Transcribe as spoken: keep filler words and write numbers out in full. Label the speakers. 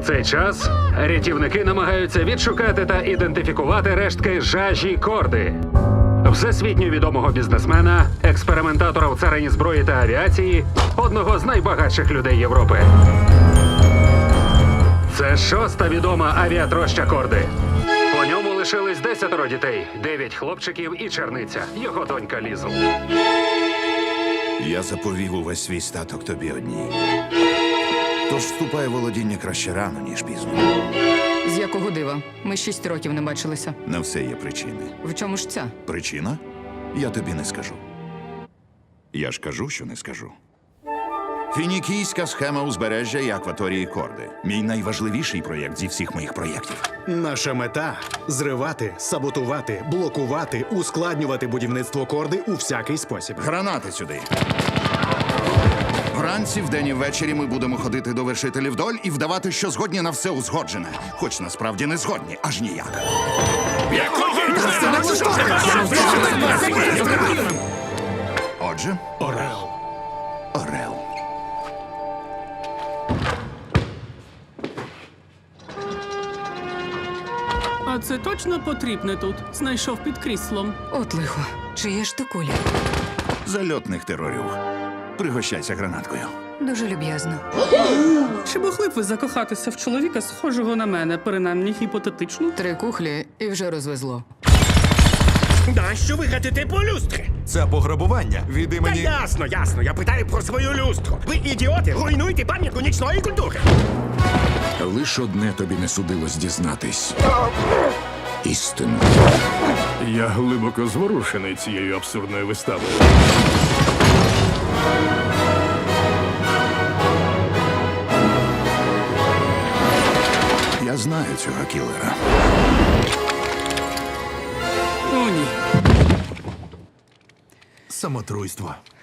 Speaker 1: цей час рятівники намагаються відшукати та ідентифікувати рештки Жажі Корди, всесвітньо відомого бізнесмена, експериментатора в царині зброї та авіації, одного з найбагатших людей Європи. Це шоста відома авіатроща Корди. По ньому лишились десятеро дітей, дев'ять хлопчиків і черниця, його донька Лізл.
Speaker 2: Я заповів увесь свій статок тобі одній. Тож вступай у володіння краще рано, ніж пізно.
Speaker 3: З якого дива? Ми шість років не бачилися.
Speaker 2: На все є причини.
Speaker 3: В чому ж ця?
Speaker 2: Причина? Я тобі не скажу. Я ж кажу, що не скажу. Фінікійська схема узбережжя і акваторії Корди. Мій найважливіший проєкт зі всіх моїх проєктів.
Speaker 4: Наша мета – зривати, саботувати, блокувати, ускладнювати будівництво Корди у всякий спосіб.
Speaker 2: Гранати сюди. Вранці, вдень і ввечері ми будемо ходити до вершителів доль і вдавати, що згодні на все узгоджене. Хоч насправді не згодні, аж ніяк. Отже,
Speaker 4: Орел.
Speaker 2: Орел.
Speaker 5: А це точно потрібне тут? Знайшов під кріслом.
Speaker 3: От лихо. Чиє ж то куля?
Speaker 2: Зальотних терорів. Пригощайся гранаткою.
Speaker 3: Дуже люб'язно.
Speaker 5: Чи могли б ви закохатися в чоловіка, схожого на мене, принаймні гіпотетично?
Speaker 3: Три кухлі і вже розвезло.
Speaker 6: Нащо ви гатите по люстрі?
Speaker 7: Це пограбування від
Speaker 6: Та
Speaker 7: імені...
Speaker 6: ясно, ясно, я питаю про свою люстру. Ви, ідіоти, руйнуєте пам'ятку нічної культури.
Speaker 8: Лиш одне тобі не судилось дізнатись. Істину.
Speaker 9: Я глибоко зворушений цією абсурдною виставою.
Speaker 2: Я знаю цього кілера.
Speaker 5: О, ні.
Speaker 7: самотруйство.